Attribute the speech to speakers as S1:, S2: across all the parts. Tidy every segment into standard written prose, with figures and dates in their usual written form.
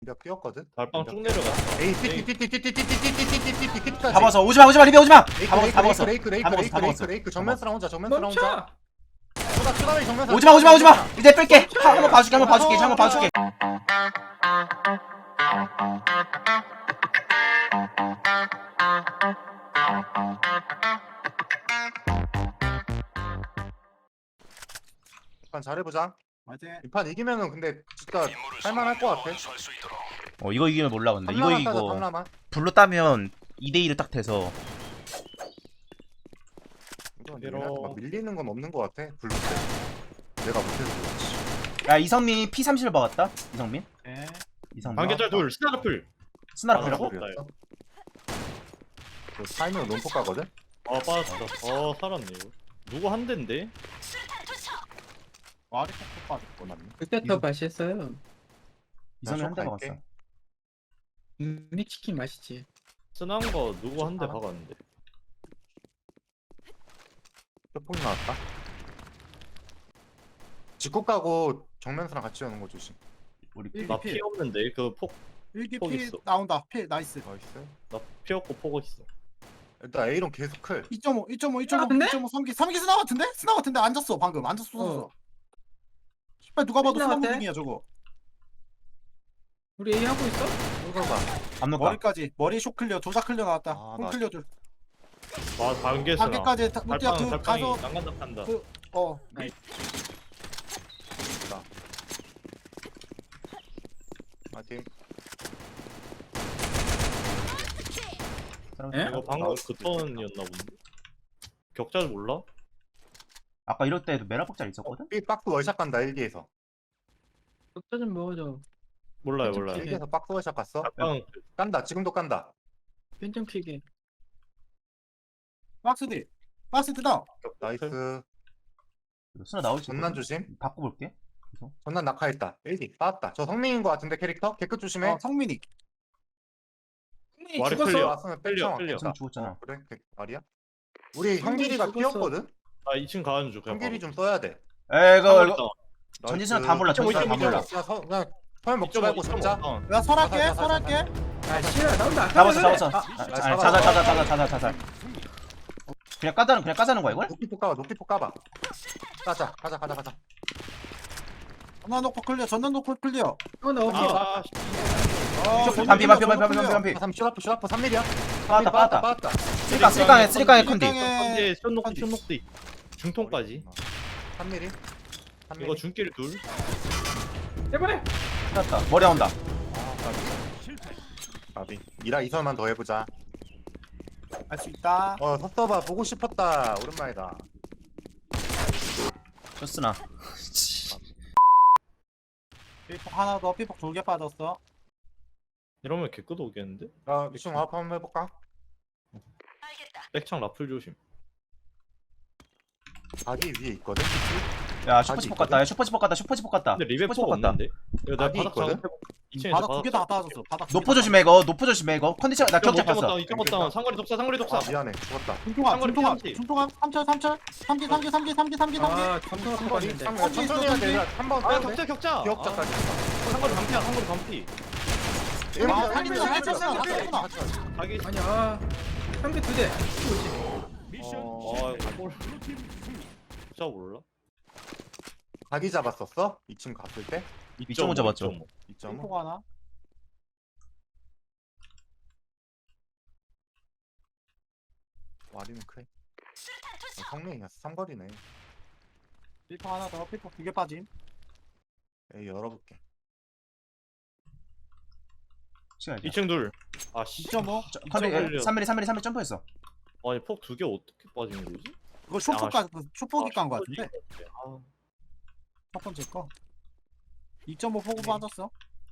S1: 몇 뛰었거든?
S2: 달빵 쭉 내려가.
S1: 에이 띠띠띠띠띠띠띠띠띠띠띠띠띠띠
S3: 다 먹었어. 오지마 리베 오지마. 다 먹었어 다 먹었어.
S1: 레이크
S3: 다 먹었어, 다 먹었어.
S1: 정면 쓰라 혼자 정면 쓰라 혼자
S4: 멈춰!
S1: 추가리 정면 쓰라
S3: 오지마. 이제 뺄게. 한번 봐줄게 한번 봐줄게.
S1: 이판 잘해보자
S5: 맞지?
S1: 이판 이기면은 근데 진짜 할만할 것 같아
S3: 이거 이기면 몰라 근데. 이거
S1: 탐라만 따자
S3: 이기고
S1: 탐라만
S3: 블루 따면 2대2를 딱 돼서.
S1: 이건
S2: 이러-
S1: 얘네한테 막 밀리는 건 없는 것 같아 블루 때 내가 못해서 그렇지
S3: 야 이성민 P30을 박았다. 이성민.
S5: 네.
S3: 이성민.
S2: 반개짤 둘. 스나더플.
S3: 스나라프라고?
S2: 아,
S1: 그 타이밍은 논포 가거든?
S2: 아 빠졌어. 살았네 이거. 누구 한 대인데?
S5: 와리 콕 빠졌고 맞네.
S4: 그때 더 맛있어요.
S3: 이성민 한 대
S1: 갈게.
S3: 박았어.
S4: 미치킨 맛있지.
S2: 스난 거 누구 한 대 박았는데.
S1: 쇼폭 나왔다 직구 까고 정면수랑 같이 오는 거 조심
S3: 우리
S5: 일-
S2: 나
S5: 필.
S2: 피 없는데 그 폭.
S5: 일기
S2: 폭
S5: 피
S2: 있어.
S5: 나온다. 피 나이스.
S1: 나이스
S2: 나 피 없고 폭 있어.
S1: 일단 A론 계속 클
S5: 2.5, 2.5, 2.5,
S4: 같은데?
S5: 2.5, 3기, 3기 스나 같은데? 스나 같은데 앉았어 방금 앉았어.
S4: 어.
S5: 씨발 누가 봐도
S4: 스나
S5: 스나
S4: 같아?
S5: 무빙이야 저거.
S4: 우리 A 하고 있어?
S1: sul가봐
S3: 압록가.
S5: 머리까지 머리 쇼 클리어, 조작 클리어 나왔다.
S1: 아,
S5: 홈
S1: 나-
S5: 클리어 둘.
S2: 와 반개 스나.
S5: 반개까지 롯데야 그
S2: 달빵이
S5: 가서
S2: 난간다 판다.
S5: 그- 어
S1: 파이팅
S4: 에?
S2: 이거 방금 그 턴이었나 본데. 격자를 몰라?
S3: 아까 이럴 때도 메라폭짤 있었거든?
S1: B 박스 월샷 간다 1기에서
S4: 적자 좀 먹어줘.
S2: 몰라요.
S4: 좀
S1: 1기에서 박스 월샷 갔어
S2: 달빵
S1: 깐다 지금도 깐다
S4: 펜좀 튀게.
S5: 박스 뒤. 박스 뒤다.
S1: 나이스
S3: 스나 나올지.
S1: 전난 조심
S3: 바꿔볼게.
S1: 전난 낙하했다 1기 빠졌다 저 성민인 거 같은데 캐릭터? 개끝 조심해
S5: 어, 성민이.
S2: 와리
S4: 죽었어.
S2: 클리어.
S1: 왔으면
S2: 클리어
S1: 뺄청
S2: 클리어.
S3: 지금 죽었잖아.
S1: 그래? 말이야? 우리 현길이가
S4: 죽었어.
S1: 뛰었거든?
S2: 나 2층 가는 중.
S1: 현길이 좀 써야 돼
S3: 이거 전진수는 다 몰라. 전진수는 다 몰라.
S1: 그냥 설 먹지 말고 잡자
S5: 야 설할게,
S1: 가자,
S5: 설할게.
S4: 아 싫어 나온다.
S3: 잡았어. 그냥 까자는 거야 이걸?
S1: 높이폭 까봐 가자
S5: 전난 놓고 클리어, 전난 놓고 클리어.
S4: 나 없어.
S2: 아,
S3: 반피.
S1: 슈라프 3mm야
S3: 빠졌다. 쓰리깡에 컨디.
S2: 현재 쇼녹디 중통까지.
S1: 3mm
S2: 이거 중길 둘.
S4: 해보래.
S3: 빠졌다. 머리 나온다.
S1: 까비 이라 이설만 더 해보자
S5: 할 수 있다.
S1: 섭섭아 보고 싶었다 오랜만이다
S3: 쇼스나.
S5: 피폭 하나 더, 피폭 2개 빠졌어.
S2: 이러면 개끄도 오겠는데?
S1: 미션 와프 한번 해볼까?
S2: 백창 라플 조심.
S1: 자기 위에 있거든?
S3: 야 슈퍼치폭 갔다. 슈퍼치폭 갔다.
S2: 근데 리베
S3: 슈퍼치폭
S2: 포 없는데? 이거 내가
S1: 아니,
S2: 바닥
S1: 있거든?
S2: 작업해볼게. 2층에서
S5: 바닥 2개 다 빠졌어. 바닥 두 개
S3: 노포
S5: 다
S3: 조심해 이거. 컨디션 나 격자 봤어.
S2: 이쪽었다. 상거리 독사.
S1: 미안해 죽었다
S5: 중통아,
S2: 상거리
S5: 중통아,
S2: 피한지.
S5: 중통아, 3기.
S4: 아 점수가 뽑았는데.
S1: 천천히 해야 돼 한번
S2: 아,
S1: 빼야 돼
S2: 격자.
S1: 기억자까지
S2: 상거리 반피야. 상거리 반피. 자기
S4: 아니야. 3개 2대.
S2: 이거 진짜 몰라.
S1: 자기 잡았었어? 2층 갔을 때?
S3: 2.5 잡았죠.
S2: 2.5.
S1: 2.5?
S5: 중통 하나.
S1: 와리는 크해 성능이야 삼거리네
S5: 피폭 하나 더, 피폭 2개 빠짐.
S1: 에이 열어볼게
S3: 시간
S2: 2층 둘. 아 씨.
S5: 2.5.
S3: 컨디
S2: 2.5.
S3: 3mm 점프했어.
S2: 아니 폭 2개 어떻게 빠지는 거지?
S5: 그거 쇼폭이 깐 거 같은데?
S2: 아,
S5: 첫 번째 거. 2.5 포고 빠졌어.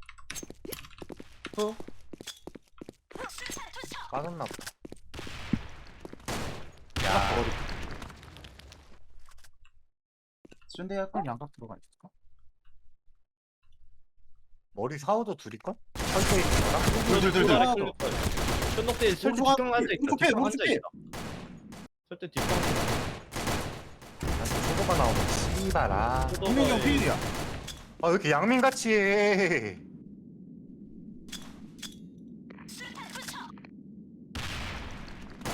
S1: 빠졌나 보다
S3: 야. 쏜데야
S5: 그럼 양각 들어가 있을까?
S1: 머리 사우도 둘일걸? 설계이구나
S3: 둘.
S5: 하나 더.
S2: 쇼녹대 설대
S5: 오른쪽
S2: 뒷방 앉아 있다.
S5: 오른쪽 패, 오른쪽 패.
S2: 설대 뒷방.
S1: 초보가 나오면 씨발아
S5: 분명히 형 필이야.
S1: 왜 이렇게 양민같이 해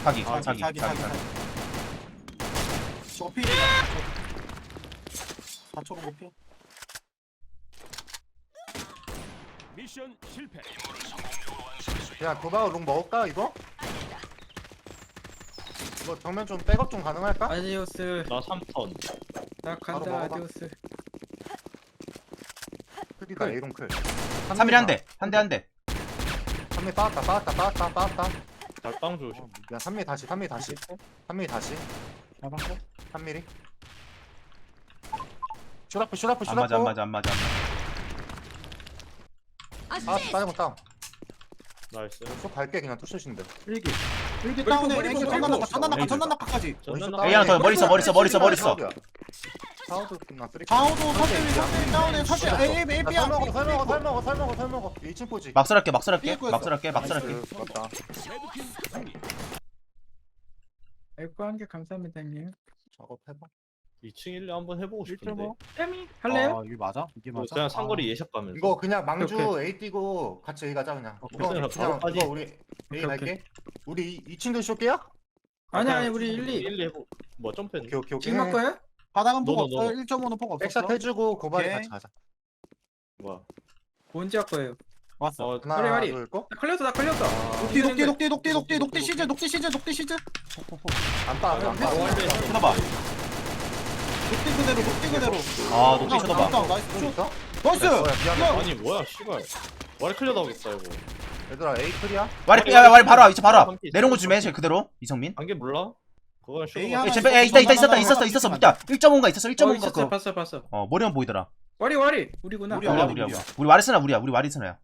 S3: 사기
S2: 아,
S3: 사기
S5: 사기
S3: 사기
S5: 사기
S3: 사기.
S5: 사기. 저거 필이다. 4초로 필.
S6: 미션 실패.
S1: 야 도박 롱 먹을까 이거? 이거 정면 좀 백업 좀 가능할까?
S4: 아디오스.
S2: 나 3턴.
S4: 나
S1: 바로
S4: 간다
S1: 먹어봐.
S4: 아디오스.
S1: 크리다 A롱 클
S3: 3mm 한대
S1: 3mm 빠았다
S2: 달빵 조심.
S1: 야 3mm 다시 3mm 다시 3mm 슈라프
S3: 안 맞아 안 맞아 안 맞아 안 맞아.
S1: 아 빠진 거 다운
S2: 나이스.
S1: 쭉 갈게 그냥 투슛인데
S5: 일기 다운에
S4: 머리
S5: 일기
S4: 보고,
S5: 전난낙하까지.
S3: A 하나 더 머리 있어 머리 있어 머리 있어 머리 있어.
S1: 사우드 끝나 쓰리
S5: 좌우도 설대 다운에 설대 A B야.
S1: 설먹어 2층 포지
S3: 막설할게
S5: 삐꾸였어.
S3: 막설할게
S1: 맞다
S6: 레드팀 승리.
S4: 에코 한개 감사합니다 형님.
S1: 작업해봐
S2: 2층 1리 한번 해보고 싶은데.
S4: 혜미 할래요?
S5: 아 이게 맞아? 이게 맞아?
S2: 그냥 상거리 예샷 가면서.
S1: 이거 그냥 망주
S4: 오케이.
S1: A 뛰고 같이 A 가자 그냥
S5: 오케이.
S1: 이거
S2: 그냥
S1: 그냥
S2: 바로까지.
S1: 이거 우리 A
S4: 오케이,
S1: 갈게 우리 2층도 쏠게요?
S4: 아니 우리 1, 2.
S2: 1리 해보. 뭐 점프했네.
S1: 오케이
S4: 지금 할 거야?
S5: 바닥은 폭
S2: 노노,
S5: 없어.
S2: 노노.
S5: 1.5는 폭 없었어.
S1: 백샷 해주고 고발이
S5: 오케이.
S1: 같이 가자
S2: 뭐야?
S4: 언제 할 거예요?
S5: 왔어.
S2: 어,
S1: 하나
S4: 허리.
S1: 둘 고?
S4: 나 걸렸어.
S5: 녹디 시즈.
S1: 안빠
S3: 쳐다봐.
S5: 녹디 그대로.
S3: 아 녹디 쳐다봐.
S5: 나이스.
S1: 있어?
S5: 나이스.
S1: 미안해
S2: 아니 뭐야 씨발. 와리 클리어 나오겠다 이거.
S1: 얘들아 A 클이야?
S3: 와리 바로 와 이제 바로 와. 내려온 거 주면 해 그대로 이성민.
S2: 안개 몰라? 그거는
S5: 에이,
S2: 쇼.
S5: 하나
S3: 있었어 밑에 1.5인가 있었어 1.5인가 그거.
S4: 봤어.
S3: 머리만 보이더라.
S4: 와리 우리구나.
S5: 우리야.
S3: 우리야. 우리 와리스나 우리 와리스나야.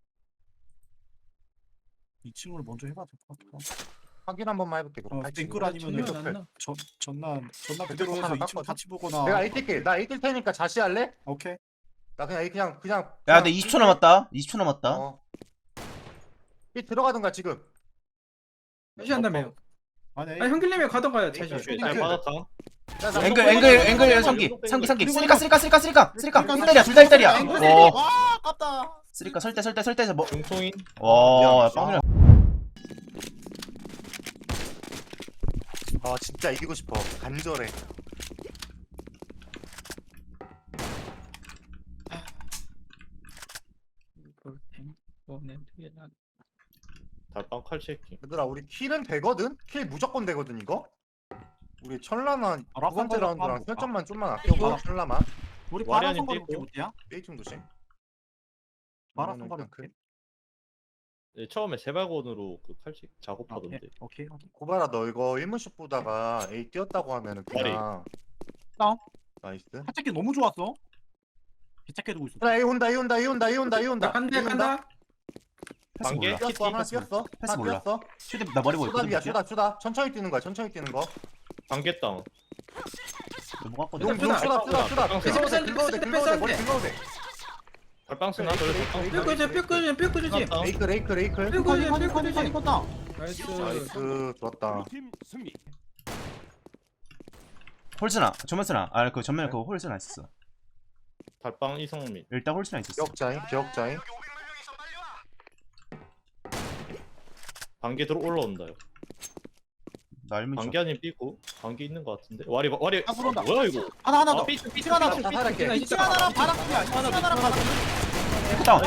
S5: 2층을 먼저 해봐 될 것 같아.
S1: 확인 한 번만 해볼게 그럼
S5: 땡글 아니면
S4: 전혀 안 나.
S5: 전난 그대로
S1: 하나
S5: 해서 2층
S1: 깎거든?
S5: 같이 보거나.
S1: 내가 A 뛸게 나 A 뛸 테니까 자시할래?
S5: 오케이.
S1: 나 그냥 A 그냥
S3: 야 근데 20초 남았다. 20초 남았다.
S1: 어. B 들어가든가 지금
S4: 다시 한다며요.
S5: 아니
S4: 아니 형길님이 가던가요. 다시.
S1: 땡큐.
S2: 잘 받았다.
S3: 앵글 상기 쓰리까 둘다 1달이야. 어
S5: 와 아깝다.
S3: 쓰리까 설대 뭐.
S2: 중통인.
S3: 와
S1: 야,
S3: 빵이야.
S1: 아 진짜 이기고 싶어 간절해
S2: 달빵 칼체킹.
S1: 얘들아 우리 킬은 되거든? 킬 무조건 되거든 이거? 우리 천라만
S5: 아,
S1: 두 번째
S5: 라ፋ
S1: 라운드랑
S5: 라파
S1: 설정만 좀만 아껴봐 천라만
S5: 우리
S2: 와리
S5: 바라
S2: 아닌
S5: 선거리
S2: 삐꾸.
S5: 못이야?
S1: A층 조심
S5: 바라
S1: 이거는
S5: 선거리
S1: 그냥 그-
S2: 네, 처음에 세발곤으로 그 칼치 작업하던데.
S5: 오케이.
S1: 고바라 너 이거 1문씩 보다가 A 뛰었다고 하면은 그냥
S5: 다운.
S1: 나이스
S5: 하체기 너무 좋았어. 기차게 두고 있어.
S1: 야 A 온다
S4: 나 간다.
S3: 패스
S2: 관계?
S3: 몰라.
S1: 뛰었어 하나 뛰었어
S3: 패스
S1: 하나
S3: 몰라.
S1: 뛰었어
S3: 슈대 나 머리 보여.
S1: 슈다 천천히 뛰는 거야 천천히 뛰는 거
S2: 관계 다운.
S3: 뭐 갖고
S1: 용
S3: 있어?
S1: 슈다
S2: 패스,
S1: 긁어도 돼 머리 긁어도 돼
S2: 달빵 쓰나?
S4: 뼈 주지.
S1: 레이클
S5: 커지 컸다.
S4: 나이스.
S1: 나이스 좋았다
S6: 팀 승리.
S3: 홀스나 전면스나 그 전면 그 홀스나 있었어.
S2: 달빵 이성민.
S3: 일단 홀스나 있었어.
S1: 기억자인
S2: 관계 들어 올라온다요.
S3: 나 알면
S2: 관계 아닌 삐고. 관계 있는 것 같은데. 와리
S5: 아, 들어온다.
S2: 뭐야 이거?
S5: 하나 더.
S2: 삐
S5: 하나 더.
S1: 자살할게
S5: 이층 하나랑 바닥이야. 이층 하나랑 바닥.
S3: 다운.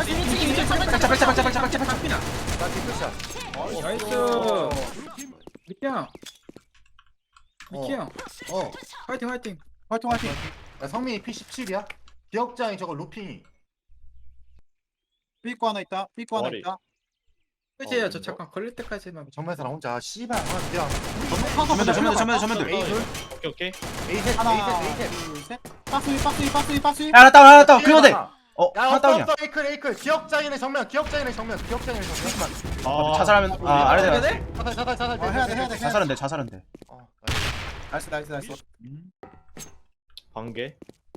S1: 나 뒷끝이야
S4: 나이스.
S6: 블루팀
S4: 미키 형. 미키 형.
S1: 어
S4: 화이팅.
S5: 화이팅.
S1: 야, 성민이 P17이야? 기억자인 저거 루핑이
S5: 삐꾸 하나 있다. 삐꾸 하나
S2: 머리.
S5: 있다.
S4: 끝이에요. 저 잠깐 걸릴 때까지만.
S1: 정면사람 혼자 씨발 그냥
S3: 전면들.
S2: 오케이.
S1: A
S5: 하나,
S1: 셋
S5: 둘, 셋. 빠스위.
S3: 야 하나 다운 그거네.
S1: 야
S3: 하나 다운이야.
S1: 없어 에이클 기억자인의 정면
S2: 아,
S3: 자살하면 아래
S4: 해야
S3: 내가
S4: 돼?
S1: 자살
S5: 해야 돼.
S3: 자살은 돼.
S1: 어,
S5: 나이스.
S2: 관계.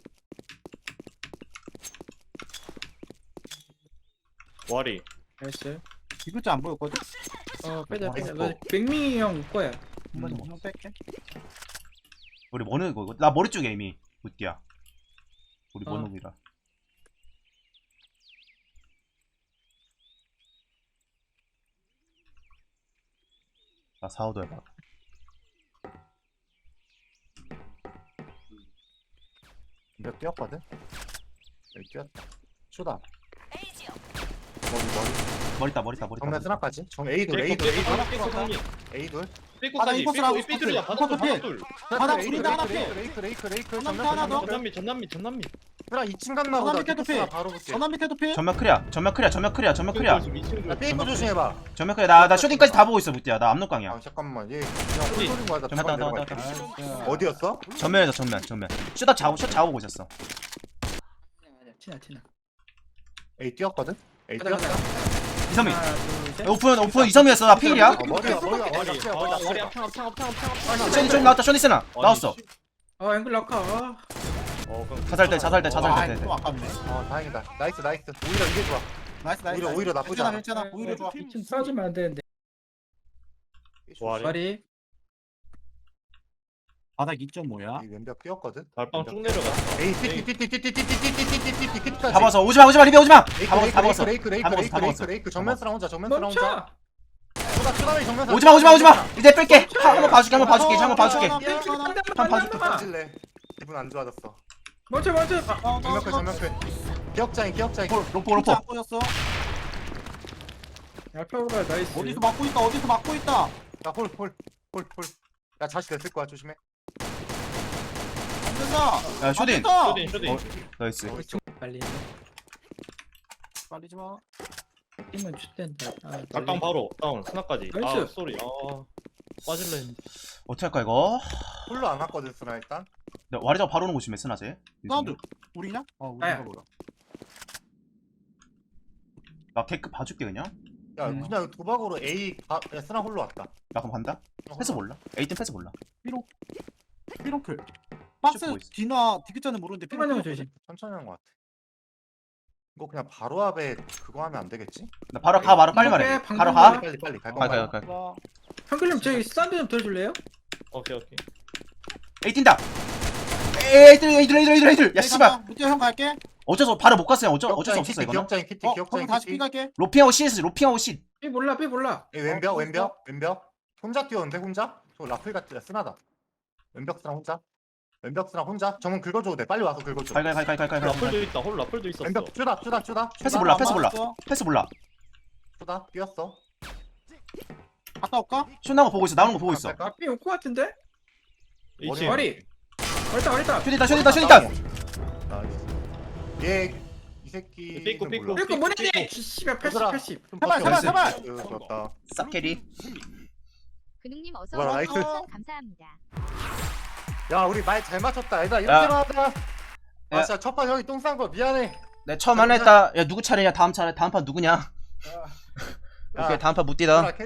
S2: 와리.
S4: 나이스.
S5: 이글자 안 보였거든.
S4: 빼자. 너 백미 형 거야.
S5: 한번 뺄게.
S3: 우리 뭐는 이거 나 머리 쪽에 이미 굿디야. 우리
S4: 어.
S3: 뭐는이라. 나 4호도 해봐.
S1: 몇 뛰었거든? 여기 뛰었다. 쇼다. 머리.
S3: 머리 있다.
S1: 정면 스나까지. 정 A돌,
S2: 삐꾸
S1: A돌,
S2: 삐꾸
S1: A돌.
S2: 삐꾸 상민.
S1: A돌.
S2: 삐꾸
S5: 바닥
S2: 사이.
S5: 이코스랑
S2: 삐꾸 삐뚤이야.
S5: 이코스.
S2: 바닥 둘.
S5: 바닥
S1: A돌,
S5: 둘인데 하나
S1: A돌,
S5: 필.
S1: A돌.
S5: 하나
S1: 정면
S5: 하나 더.
S1: 전면.
S2: 전남미.
S1: 그래 2층 갔나 보다.
S5: 밑에도
S1: 삐끗으나
S5: 필.
S1: 바로 볼게.
S5: 전남 밑에도 필.
S3: 전면 크리야. 전면 크리야.
S1: 야 삐꾸 조심해봐.
S3: 전면 크리야. 나 쇼딩까지 다 보고 있어 무띠야. 나 압록강이야.
S1: 아 잠깐만 얘 그냥 홀소린 거야. 나
S3: 좀 하다,
S1: 주방
S3: 하다,
S1: 내려갈게.
S5: 아,
S1: 어디였어?
S3: 전면에서 전면. 슛 작업고 있었어.
S4: 티나.
S1: A 뛰었거든? A
S4: 가자,
S1: 뛰었다.
S3: 이성민.
S4: 하나, 둘, 셋.
S3: 오픈 이성민이었어. 나 필이야.
S1: 머리야.
S2: 머리 앞창.
S3: 쇼딩 좀 나왔다. 쇼딩스나 나왔어.
S4: 앵글 락카.
S2: 그럼
S3: 자살대.
S5: 아, 또 아깝네.
S1: 다행이다. 나이스. 오히려 이게 좋아.
S5: 나이스.
S1: 오히려 나쁘지 않아.
S5: 괜찮아. 오히려 좋아.
S4: 좀 싸주면 안 되는데.
S2: 와리.
S4: 머리.
S5: 바닥 2.5야.
S1: 이 왼벽 뛰었거든?
S2: 달빵 쭉 내려갔어.
S1: 에이 띠띠띠띠띠띠띠띠띠띠띠띠띠띠
S3: 다 먹었어. 오지마 리베 오지마. 다 먹었어.
S1: 레이크 정면스랑 혼자
S4: 멈춰.
S1: 정면스랑
S3: 오지마. 이제 뺄게. 한번 봐줄게.
S1: 던질래 기분 안 좋아졌어
S4: 멈춰.
S1: 정면클 기억자인
S3: 로포.
S5: 안 보였어.
S4: 알파고가 나이스.
S5: 어디서 막고 있다.
S1: 야홀 야 자시 됐을 거야 조심해
S5: 안 된다.
S3: 야 쇼딩.
S2: 쇼딩.
S3: 나이스.
S4: 빨리.
S5: 빨리지 마.
S4: 팀은 춥댄다.
S2: 달빵 바로 다운 스나까지.
S4: 나이스.
S2: 아 쏘리. 빠질래 했는데.
S3: 어떻게 할까 이거?
S1: 홀로 안 왔거든 스나 일단
S3: 와리자 바로 오는 거 조심해 스나제.
S5: 사운드. 우리냐? 우리가
S4: 아야.
S5: 보라.
S3: 나 개급 봐줄게 그냥.
S1: 야 그냥 도박으로 A 야 스나 홀로 왔다
S3: 나 그럼 간다. 패스 몰라. 에이팀 패스 몰라.
S5: 피롱클. 박스
S3: 보고 있어.
S5: 뒤나 디귿자는 모르는데
S4: 피만 형
S5: 피롱클.
S4: 조심.
S1: 천천히 한 거 같아 이거 그냥 바로 앞에 그거 하면 안 되겠지?
S3: 나 바로 빨리 말해.
S4: 이렇게
S3: 바로
S4: 방금
S3: 가.
S1: 빨리 갈
S3: 가.
S1: 거야
S4: 형글님 저기 사운드 좀 들어줄래요?
S2: 오케이.
S3: 에이 뛴다. 에이들. 야 씨발.
S5: 무티야 형 갈게.
S3: 어쩔 수 없. 바로 못 갔어요. 어쩔 수 없었어 이거는.
S1: 기억자인 키티
S5: 거기
S1: 기억자인
S5: 다시
S1: 키티
S5: 피 갈게.
S3: 로핑하고 CS.
S4: 삐 몰라.
S1: 이 왼벽 혼자 뛰었는데 혼자? 저 라플 같지 쓰나다 왼벽 스랑 혼자 정문 긁어줘도 돼 빨리 와서 긁어줘
S3: 갈.
S2: 라플도 있다. 홀 라플도 있었어.
S1: 왼벽 쭈다
S3: 패스 몰라.
S1: 쭈다 뛰었어
S5: 갔다 올까?
S3: 슛 나온 거 보고 있어.
S1: 갈까?
S4: 삐 올 것 같은데?
S2: 이치.
S4: 머리. 어리다.
S3: 슛 있다.
S1: 나이스 얘이 새끼
S2: 삐꾸.
S4: 이거 뭐냐? 씨발 80.
S5: 제발.
S1: 좋았다
S3: 쌉캐리.
S7: 근육님 어서
S1: 뭐야,
S7: 오세요.
S1: 나이스.
S7: 감사합니다.
S1: 야 우리 말 잘 맞췄다 얘들아
S3: 야.
S1: 이렇게 하자
S3: 야.
S1: 아 진짜 첫판 형이 똥 싼 거 미안해
S3: 내 처음 하나 했다. 야 누구 차례냐? 다음 판 누구냐?
S1: 야,
S3: 오케이 다음 판 못 뛰다.
S1: 얘들아,